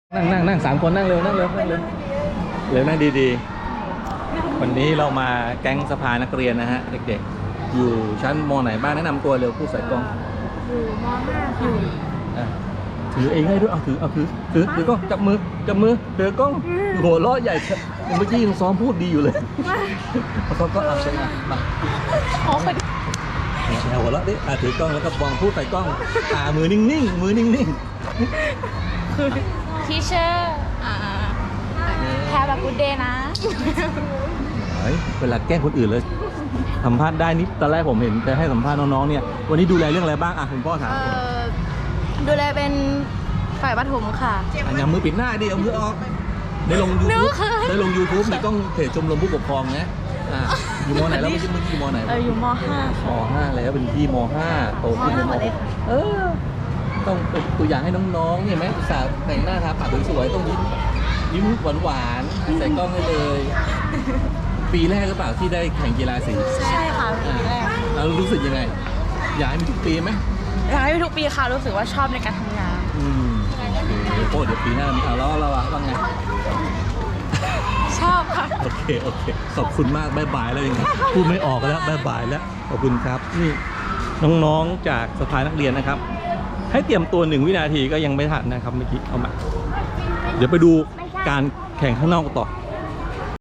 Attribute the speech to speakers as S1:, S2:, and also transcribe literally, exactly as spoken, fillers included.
S1: นั่งนั่งนั่งสามคนนั่งเร็วนั่งเร็วนั่งเร็วเร็วนั่งดีๆวันนี้เรามาแก๊งสภานักเรียนนะฮะเด็กๆอยู่ชั้นม.ไหนบ้างแนะนำตัวเร็วผู้ใส่กล้อง
S2: อยู่ม .ห้า ค่ะ
S1: อ่ะถือเองให้ด้วยเอาถือเอาถือถือถือกล้องจับมือจับมือถือกล้องหัวเราะใหญ่เมื่อกี้ยังซ้อมพูดดีอยู่เลยเขาก็เอาใช่ไหมมา
S2: อ๋อคน
S1: หัวเราะดิอ่ะถือกล้องแล้วก็มองพูดใส่กล้องตามือนิ่งๆมือนิ่ง
S2: ทีเชอร์อ่าแฮปปี้กูดเดย์นะ
S1: ๆเฮ้ยเวลาแกล้งคนอื่นเลยสัมภาษณ์ได้นิดตอนแรกผมเห็นจะให้สัมภาษณ์น้องๆเนี่ยวันนี้ดูแลเรื่องอะไรบ้างอ่ะคุณพ่อถาม
S2: เอ่อดูแลเป็นฝ่ายปฐมค่ะ
S1: อันยังมือปิดหน้าดิเอามือออกได้ลงยู
S2: นึ
S1: ทูบ
S2: กค่ะ
S1: ได้ลง ยูทูบ ในกล้องเพจชมรมผู้ปกครองนะอ่ะอยู่ม.ไหนแล้วเมื่อกี้เมื่อกี้ม.ไหน
S2: เอออยู่ม .ห้า
S1: ม
S2: ค่ะ
S1: ห้าแล้วเป็นพี่มห้าโตขึ้นเป็น
S2: ม
S1: ม
S2: ห้าหมดเลย
S1: หก
S2: ค่ะ
S1: เออต้องเป็นตัวอย่างให้น้องๆเนี่ยไหมอุตส่าห์แต่งหน้าทาปากสวยๆต้องยิ้มยิ้มหวานๆใส่กล้องให้เลย ปีแรกหรือเปล่าที่ได้แข่งกีฬาสี
S2: ใช่ค่ะปีแรก
S1: แล้วรู้สึกยังไง อยากให้มีทุกปีไหม
S2: อยากให้ทุกปีค่ะรู้สึกว่าชอบในการทำงาน
S1: อืมโอ้เดี๋ยวปีหน้ามีเอาแล้วเราอะว่าไง
S2: ชอบค่ะ
S1: โอเคโอเคขอบคุณมากบายบายแล้วยังไงพูดไม่ออกแล้วบายบายแล้วขอบคุณครับนี่น้องๆจากสภานักเรียนนะครับ ให้เตรียมตัวหนึ่งวินาทีก็ยังไม่ทันนะครับเมื่อกี้เอามาเดี๋ยวไปดูการแข่งข้างนอกต่อ